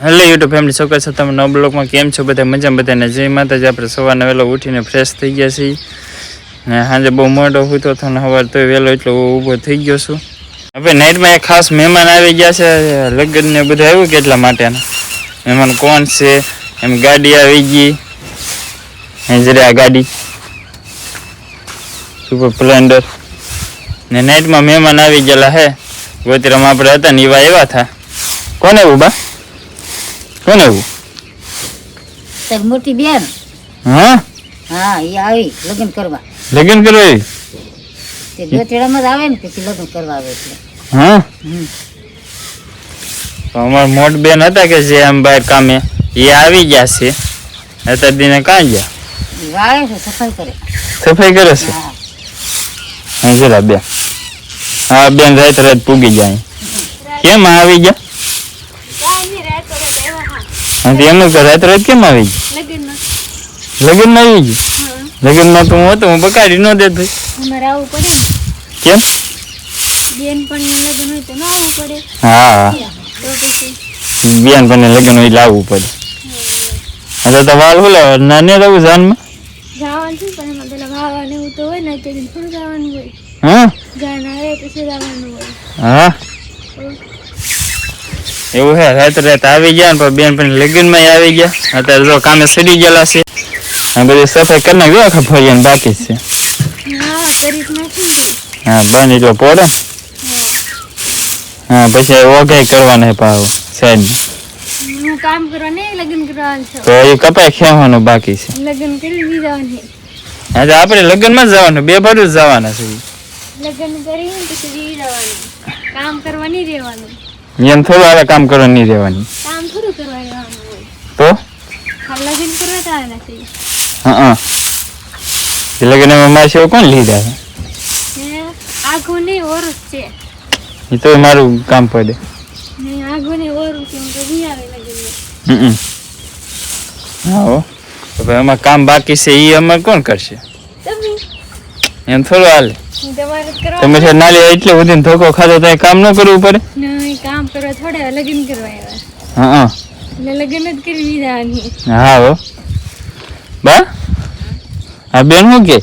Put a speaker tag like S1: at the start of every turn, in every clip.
S1: Hello YouTube family ચોક્કસ તમે નવા બ્લોગમાં કેમ છો બધા મજામાં બધાને જય માતાજી આપણે સવારના વહેલો ઉઠીને ફ્રેશ થઈ ગયા છીએ ને સાંજે બહુ મોડો હતો તો સવારે તો વહેલો એટલો ઊભો થઈ ગયો છું હવે નાઇટમાં એક ખાસ મહેમાન આવી ગયા છે લગ્ન ને બધું આવ્યું કે એટલા માટેના મહેમાન કોણ છે એમ ગાડી આવી ગઈ જરા આ ગાડી સુપર સ્પ્લેન્ડર ને નાઇટમાં મહેમાન આવી ગયેલા હે ગોતરામાં આપણે હતા ને એવા આવ્યા હતા કોને એવું બા કોને એવું
S2: તારી મોટી બેન
S1: હા
S2: હા એ આવી લગ્ન કરવા
S1: આવી
S2: તે ગોતેડામાં જ આવે ને પછી લગ્ન કરવા આવે એટલે
S1: હા અમાર મોટ બેન હતા કે જે આમ બહાર કામે એ આવી ગયા છે અત્યાર દિને કાં ગયા
S2: એ વાળે છે સફાઈ કરે
S1: છે હા જરા બેન હા બેન રાત પૂગી જાય કેમ આવી ગયા એમ રાત કેમ આવી ગઈ લગ્ન માં આવી ગઈ લગ્ન માં તો હું હતો હું બકાડી ન દેત ભાઈ કેમ હા બેન પણ લગ્ન હોય લાવવું પડે હવે તો વાલ બોલે નાને રહું જાનમાં હા એવું હે રાત આવી ગયા ને બેન પણ લગ્ન માં આવી ગયા અત્યારે જો કામે સડી ગયેલા છે બધી સફાઈ કરી નાખી આખા ફરિયાને બાકી છે હા બંધ એટલો પોડે હા પછી ઓગાઈ કરવાના પાવ સાઈડ
S3: કામ કરવા ને લગ્ન કરવાનું છે
S1: તો એ કપાઈ ખેવાનું બાકી છે
S3: લગ્ન કરી જવાનું
S1: હા તો આપણે લગ્ન માં જવાનું બે બાજુ જવાના છે
S3: લગ્ન કરી પછી જવાનું કામ કરવા નહીં રહેવાનું
S1: એમ થોડું આવે કામ કરવા નહીં રહેવાની
S3: કામ થોડું કરવા રહેવાનું હોય
S1: તો
S3: લગ્ન કરવા જવાના છે
S1: હા લગ્ન માં મારે સેવ કોણ લીધા
S3: છે આગો નહીં ઓરસ છે
S1: એ તો મારું કામ પડે
S3: નહીં આગો નહીં ઓરું છે હું તો નહીં આવે લગ્ન
S1: હા હો તો ભાઈ અમારે કામ બાકી છે એ અમારે કોણ કરશે
S3: તમે
S1: એમ થોડું હાલે
S3: તમારે કરવા
S1: તમે છે નાલી એટલે બધીને ધોકો ખાધો તો કામ ન કરવું પડે
S3: નહીં કામ કરવા થોડા લગ્ન કરવા આવ્યા
S1: હા
S3: એટલે લગ્ન જ કરી જવાની
S1: હા હો બા હા બેન શું કે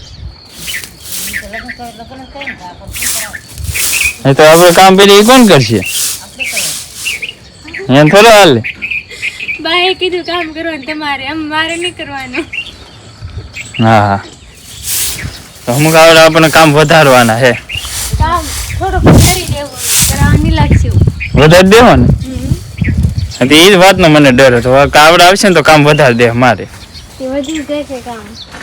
S1: તો આપણે કામ પેલી કોણ કરશે એમ થોડું હાલે
S3: બાએ કીધું કામ કરવાનું તમારે આમ મારે નહીં કરવાનું
S1: હા હા તો અમુક આવડે આપણને કામ વધારવાના હે
S3: કામ થોડુંક વધારી દેવું કરવાની લાગશે
S1: વધારી દેવાનું એ જ વાતનો મને ડર હતો કાવડ આવશે ને તો કામ વધારી દે મારે
S3: તે વધી જશે કામ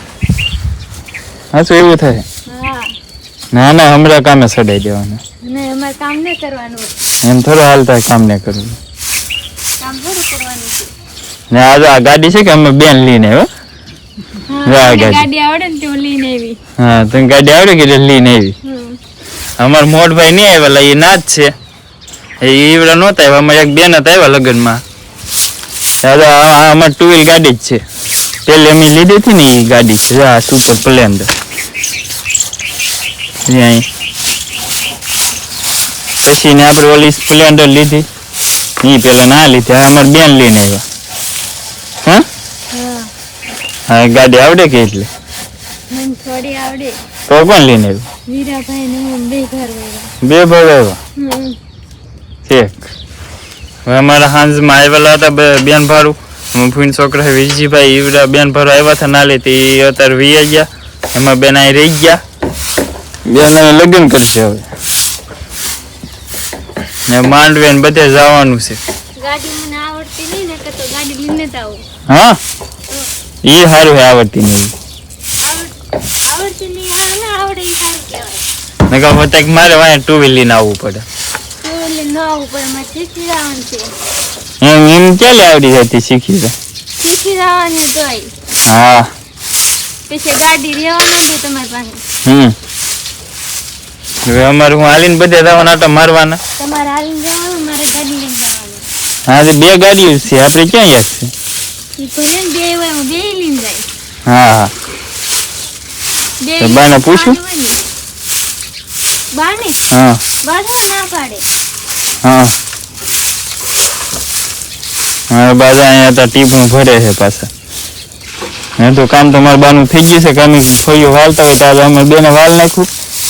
S1: હા શું એવું થાય
S3: હા
S1: ના ના હમણાં કામે સડાઈ દેવાનું
S3: ને અમારે કામ નહીં કરવાનું
S1: એમ થોડું હાલતા કામ ને કરવું
S3: કામ થોડું કરવાનું છે
S1: ને આ ગાડી છે કે અમે બેન લઈને આવ્યો
S3: હા ગાડી આવડે ને તો લઈને આવી
S1: હા તને ગાડી આવડે કે લઈને આવી અમારા મોટભાઈ નહીં આવેલા એ ના જ છે ઈવડા નહોતા આવ્યા અમારે એક બેન હતા આવ્યા લગ્નમાં અમારે 2 વ્હીલ ગાડી જ છે પેલી અમે લીધી હતી ને એ ગાડી છે આ સુપર સ્પ્લેન્ડર પછી ને આપણે ઓલી સ્પ્લેન્ડર લીધી એ પેલા ના લીધી અમારે બેન લઈને આવ્યા હા હા ગાડી આવડે કે એટલે
S3: મને થોડી આવડે
S1: તો કોણ લઈને આવ્યું
S3: વીરાભાઈ ને હું બે ઘર
S1: બે ભાઈ આવ્યા ઠીક હવે અમારા હાંજમાં આવેલા હતા બેન ભાડું ફૂન છોકરા વિજયભાઈ ઈવડા બેન ભાડું આવ્યા હતા ના લેતી અત્યારે વી ગયા એમાં બેન અહીં રહી ગયા બેન લગ્ન કરશે હવે ને માંડવે ને બધે જવાનું છે
S3: ગાડી મને આવડતી નહીં ને તો ગાડી લઈને જ આવું
S1: હા એ સારું આવડતી નહીં
S3: આવડતી નહીં આવડે એ સારું કહેવાય
S1: નકર મારે વાંહે 2 વ્હીલ લઈને આવવું પડે
S3: ન આવું પણ મારે શીખી જવાનું છે
S1: એમ ક્યાં આવડી જતી શીખી
S3: જવાની તોય
S1: હા
S3: પછી ગાડી રહેવા નથી તમારી પાસે
S1: હવે અમારે હું હાલીને બધે જવાના આટા મારવાના
S3: તમારે હાલીને જવાનું મારે ગાડી લઈને જવાનું
S1: હા તો બે ગાડીઓ છે આપણે ક્યાં યાદ છે
S3: ઈ ભલે ને બે હોય હું બે લઈને જાય
S1: હા હા તો બાને પૂછું
S3: બાને
S1: હા
S3: બાને ના પાડે
S1: હા મારા બાજુ અહીંયા હતા ટીપણું ભરે છે પાછા. હે તો કામ તો મારા બાનું થઈ ગયું છે. કામ ફળિયું વાળતા હોય તો આજે અમે બેને વાળ નાખ્યું.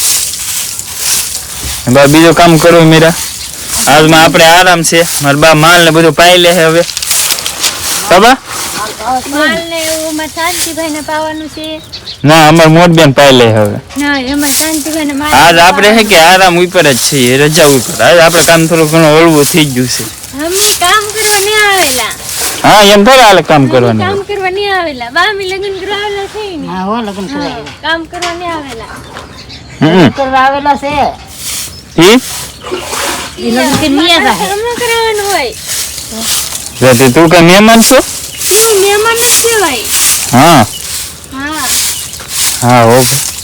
S1: બા બીજું કામ કરવું મેરા. આજમાં આપણે આરામ છે. મારા બા માલ ને બધું પાઈ લે છે હવે. બાબા
S3: માલ ને એવું માં શાંતિભાઈ ને પાવાનું છે.
S1: ના અમાર મોટ બેન પાઈ લે હવે.
S3: ના એમાં શાંતિભાઈ ને માલ
S1: આજ આપણે હે કે આરામ ઉપર જ છીએ, રજા ઉપર. આજ આપણે કામ થોડું ઘણું હળવું થઈ ગયું છે.
S3: અમે કામ કરવા નહીં આવેલા.
S1: હા એમ થોડા હાલે કામ કરવાનું.
S3: કામ કરવા નહીં આવેલા. બામી લગ્ન કરવા આવેલા છે ને.
S2: હા હો લગ્ન કરવા આવેલા.
S3: કામ કરવા નહીં આવેલા.
S2: લગ્ન કરવા આવેલા છે
S1: ઈ
S2: ઈ લગ્ન કે નિયા જાહે.
S3: હમણાં કરાવવાનું હોય.
S1: જાતે તું કે મહેમાન છો?
S3: હું મહેમાન જ કહેવાય.
S1: હા
S3: હા
S1: હા હો.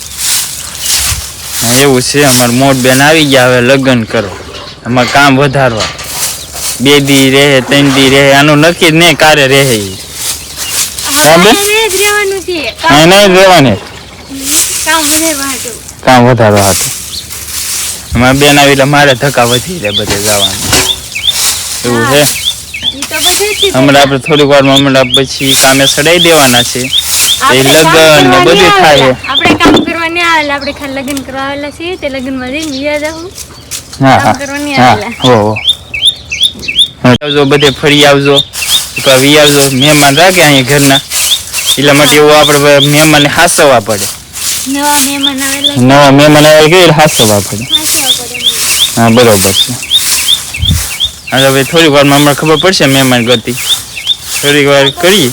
S1: હા, એવું છે. અમાર મોટ બેન આવી ગયા હવે લગ્ન કરો. અમાર કામ વધારવા 2 દી રહે 3 દી રહે આનું નક્કી જ નહીં કારે રહે ઈ. હા બેન
S3: હવે જ રહેવાનું છે.
S1: હા નહીં રહેવાને
S3: કામ વધારવા હાટુ.
S1: કામ વધારવા હતું. અમાર બેન આવી એટલે મારે ધક્કા વધી જાય બધે જવાનું એવું છે.
S3: ઈ તો બધેથી
S1: હમણાં આપણે થોડીક વારમાં હમણાં પછી કામે ચડાઈ દેવાના છે. એ
S3: આપણે કામ
S1: લગ્ન ને
S3: કરવા
S1: બધું
S3: નહીં
S1: થાય.
S3: આવેલા. આપણે કામ કરવા નહીં આવેલા. આપણે ખાલી લગ્ન કરવા આવેલા છીએ. તે લગ્નમાં જઈને વ્યા જાઉં.
S1: હા
S3: કામ કરવા નહીં
S1: હા
S3: આવેલા.
S1: હો આવજો બધે ફરી આવજો વી આવજો. મહેમાન રાખે અહીંયા ઘરના એટલા માટે એવું આપણે મહેમાનને હાસવવા પડે.
S3: નવા મહેમાન આવેલા
S1: નવા મહેમાન આવે કે હાસવવા પડે.
S3: હાંસવા પડે એમને.
S1: હા બરોબર છે. હવે હવે થોડીક વારમાં હમણાં ખબર પડશે મહેમાન ગતિ. થોડીક વાર કરી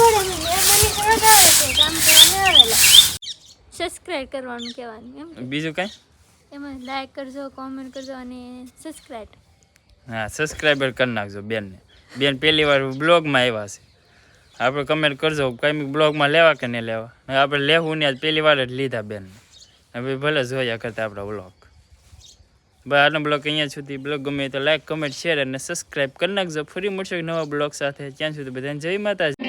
S3: સબસ્ક્રાઇબ કરવાનું કહેવાનું એમ.
S1: બીજું કાંઈ.
S3: એમાં લાઈક કરજો, કોમેન્ટ કરજો અને સબસ્ક્રાઇબ.
S1: હા સબસ્ક્રાઈબર કરી નાખજો બેનને. બેન પહેલી વાર બ્લોગમાં આવ્યા છે. આપણે કમેન્ટ કરજો કંઈ બ્લોગમાં લેવા કે નહીં લેવા. આપણે લેવું ને આજ પહેલી વાર જ લીધા બેનને. હવે ભલે જોયા કરતા આપણા બ્લોગ. બસ આનો બ્લોગ અહીંયા સુધી. બ્લોગ ગમે તો લાઈક કમેન્ટ શેર અને સબસ્ક્રાઈબ કરી નાખજો. ફરી મળશે નવા બ્લોગ સાથે. ત્યાં સુધી બધાને જય માતાજી.